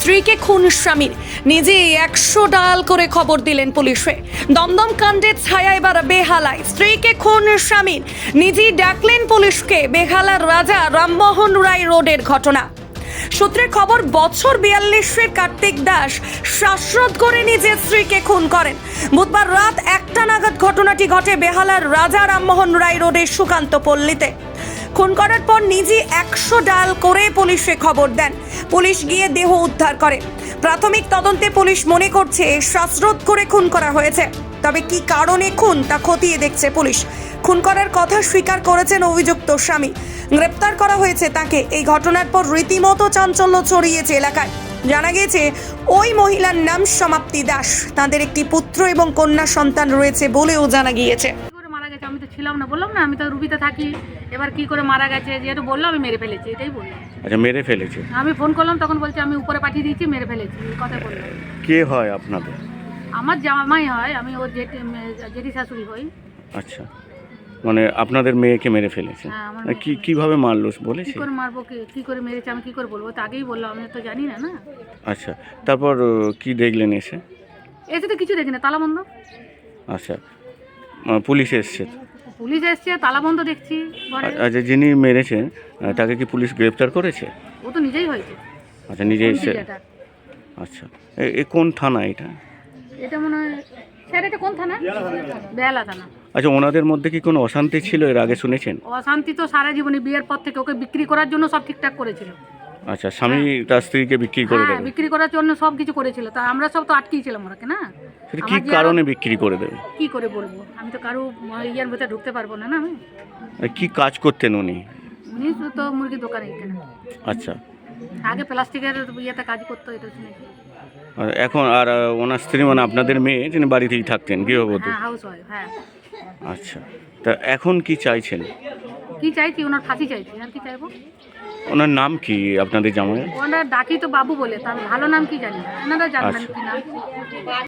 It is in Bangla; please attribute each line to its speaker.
Speaker 1: স্ত্রীকে খুন স্বামীর, নিজে 100 ডায়াল করে খবর দিলেন পুলিশে। দমদম কাণ্ডের ছায়া এবার বেহালায়। স্ত্রীকে খুন স্বামীর, নিজেই ডাকলেন পুলিশকে। বেহালার রাজা রামমোহন রায় রোডের ঘটনা। সূত্রের খবর, বছর 42-এর কার্তিক দাস শ্বাসরোধ করে নিজের স্ত্রীকে খুন করেন। বুধবার রাত 1টা নাগাদ ঘটনাটি ঘটে বেহালার রাজা রামমোহন রায় রোডের সুকান্ত পল্লীতে। খুন করার পর নিজে 100 ডায়াল করে পুলিশে খবর দেন। পুলিশ গিয়ে দেহ উদ্ধার করে। প্রাথমিক তদন্তে পুলিশ মনে করছে শ্বাসরোধ করে খুন করা হয়েছে। তবে কি কারণে খুন তা খতিয়ে দেখছে পুলিশ। খুন করার কথা স্বীকার করেছেন অভিযুক্ত স্বামী। গ্রেপ্তার করা হয়েছে তাকে। এই ঘটনার পর রীতিমতো চাঞ্চল্য ছড়িয়েছে এলাকায়। জানা গেছে ওই মহিলার নাম সমাপ্তি দাস। তাদের একটি পুত্র এবং কন্যা সন্তান রয়েছে বলেও জানা গিয়েছে।
Speaker 2: মারা গেছে, আমি তো ছিলাম না, বললাম না আমি তো রুবিতে থাকি। এবার কি করে মারা গেছে যেহেতু বললো, আমি মেরে ফেলেছি, এটাই বললাম।
Speaker 3: আচ্ছা, মেরে ফেলেছে।
Speaker 2: আমি ফোন করলাম, তখন বলছে আমি উপরে পাঠিয়ে দিয়েছি, মেরে ফেলেছি, এই কথা বললাম।
Speaker 3: কে হয় আপনাদের?
Speaker 2: আমার জামাই হয়, আমি ওর জেঠি শাশুড়ি হই।
Speaker 3: আচ্ছা, মানে আপনাদের মেয়েকে মেরে ফেলেছে।
Speaker 2: হ্যাঁ, আমার
Speaker 3: কিভাবে মারলো বলেছে?
Speaker 2: কি করে মারবো, কি করে মেরেছে আমি কি করে বলবো, তো আগেই বললাম, আমি তো জানি না। না
Speaker 3: আচ্ছা, তারপর কি দেখলেন এসে?
Speaker 2: এসে তো কিছু দেখি না, তালা বন্ধ।
Speaker 3: আচ্ছা, পুলিশ এসছে?
Speaker 2: পুলিশ এসছে, তালা বন্ধ দেখছি ঘরে।
Speaker 3: আচ্ছা, যিনি মেরেছেন তাকে কি পুলিশ গ্রেপ্তার করেছে?
Speaker 2: ও তো নিজেই হয়েছে।
Speaker 3: আচ্ছা, নিজে এসে। আচ্ছা, এ কোন থানা এটা?
Speaker 2: এটা মনে হয় স্যার, এটা কোন থানা? বেহালা থানা।
Speaker 3: আচ্ছা, ওনাদের মধ্যে কি কোনো অশান্তি ছিল এর আগে শুনেছেন?
Speaker 2: অশান্তি তো সারা জীবনে, বিয়ের পর থেকে ওকে বিক্রি করার জন্য সব ঠিকঠাক করেছিল।
Speaker 3: আচ্ছা, স্বামী তার স্ত্রীকে বিক্রি করে
Speaker 2: হ্যাঁ,
Speaker 3: দেবে?
Speaker 2: বিক্রি করার জন্য সব কিছু করেছিল। তা আমরা সব তো আটকেই ছিলাম ওরাকে। না
Speaker 3: সেটা কি কারণে বিক্রি করে দেবে?
Speaker 2: কি করে বলবো, আমি তো কারো ইয়ার ভেতরে ঢুকতে পারবো না। না আমি
Speaker 3: কি কাজ করতেন উনি?
Speaker 2: উনি তো মুরগির দোকানে এখানে
Speaker 3: আচ্ছা,
Speaker 2: আগে প্লাস্টিকের ইয়েতে কাজ করতো, এটা শুনেছি।
Speaker 3: আর এখন আর ওনার স্ত্রী মানে আপনাদের মেয়ে, যিনি বাড়িতেই থাকতেন, গৃহবধূ?
Speaker 2: হ্যাঁ, হাউস ওয়াইফ। হ্যাঁ।
Speaker 3: আচ্ছা, তা এখন কি চাইছেন?
Speaker 2: কি চাইছি, ওনার ফাঁসি চাইছি, আর কি চাইবো।
Speaker 3: ওনার নাম কি আপনাদের জামাইয়ের?
Speaker 2: ওনার ডাকি তো বাবু বলে, তার ভালো নাম কি জানি না, ওনারা জানবেন কি নাম।